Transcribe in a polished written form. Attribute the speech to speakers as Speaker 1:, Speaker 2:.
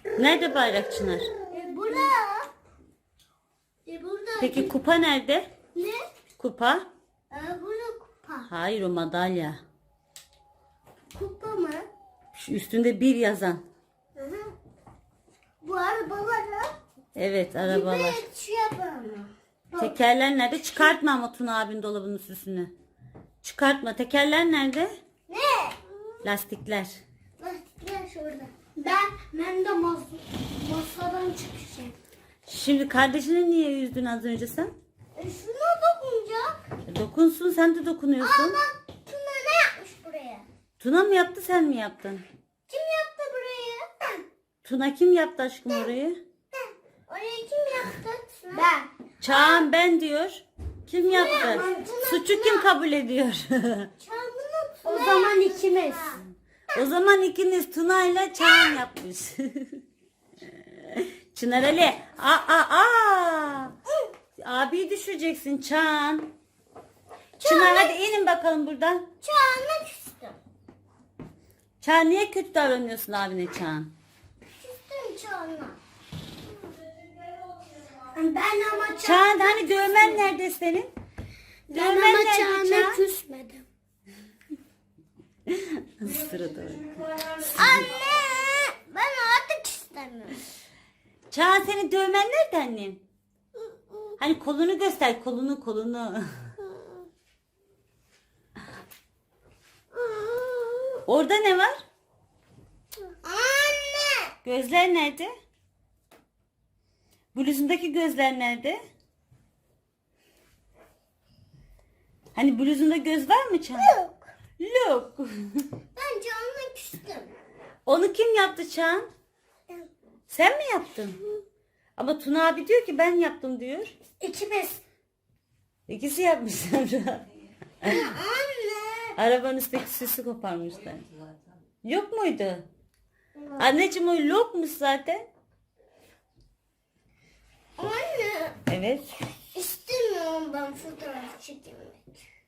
Speaker 1: Nerede bayrak Çınar?
Speaker 2: Burada. Burada.
Speaker 1: Peki kupa nerede?
Speaker 2: Ne?
Speaker 1: Kupa?
Speaker 2: Burada kupa.
Speaker 1: Hayır, o madalya.
Speaker 2: Kupa mı?
Speaker 1: Şu üstünde bir yazan.
Speaker 2: Hı hı. Bu arabaları
Speaker 1: Evet, arabalar.
Speaker 2: bir şey yapalım.
Speaker 1: Tekerler nerede? Çıkartma ama Tuna abinin dolabının süsünü. Çıkartma. Tekerler nerede?
Speaker 2: Ne?
Speaker 1: Lastikler.
Speaker 2: Lastikler şurada. Ben de masadan çıkacağım.
Speaker 1: Şimdi kardeşini niye üzdün az önce sen?
Speaker 2: Şuna dokunacak.
Speaker 1: Dokunsun, sen de dokunuyorsun.
Speaker 2: Aa bak Tuna ne yapmış buraya?
Speaker 1: Tuna mı yaptı, sen mi yaptın?
Speaker 2: Kim yaptı burayı?
Speaker 1: Tuna kim yaptı aşkım orayı?
Speaker 2: Orayı kim yaptı? Ben.
Speaker 1: Çağan ben diyor. Kim yaptı? Suçu kim kabul ediyor?
Speaker 2: O zaman ikimiz.
Speaker 1: O zaman ikiniz Tuna ile Çağan yapmış. Çınar Ali. Aa. Abi düşeceksin Çağan. Çınar hadi inin bakalım buradan.
Speaker 2: Çağına küstüm.
Speaker 1: Çağan niye kötü davranıyorsun abine Çağan?
Speaker 2: Küstüm Çağına. Ben ama
Speaker 1: Çağan hani dövmen nerede senin? Dövmen nerede Çağan?
Speaker 2: küsmedim.
Speaker 1: Sırada.
Speaker 2: Anne ben artık istemiyorum.
Speaker 1: Çağan senin dövmen nerede annem? Hani kolunu göster, kolunu. Orada ne var?
Speaker 2: Anne.
Speaker 1: Gözler nerede? Bluzundaki gözler nerede? Hani bluzunda göz var mı Çağan?
Speaker 2: Yok.
Speaker 1: Yok.
Speaker 2: Ben Çağına küstüm.
Speaker 1: Onu kim yaptı Çağan? Sen mi yaptın? Ama Tuna abi diyor ki ben yaptım diyor.
Speaker 2: İkimiz.
Speaker 1: İkisi yapmışlar.
Speaker 2: Anne.
Speaker 1: Arabanın üstteki süsü koparmışlar. Yok muydu? Anneciğim o yokmuş zaten.
Speaker 2: Anne.
Speaker 1: Evet.
Speaker 2: İstemiyorum ben fotoğraf çekilmek.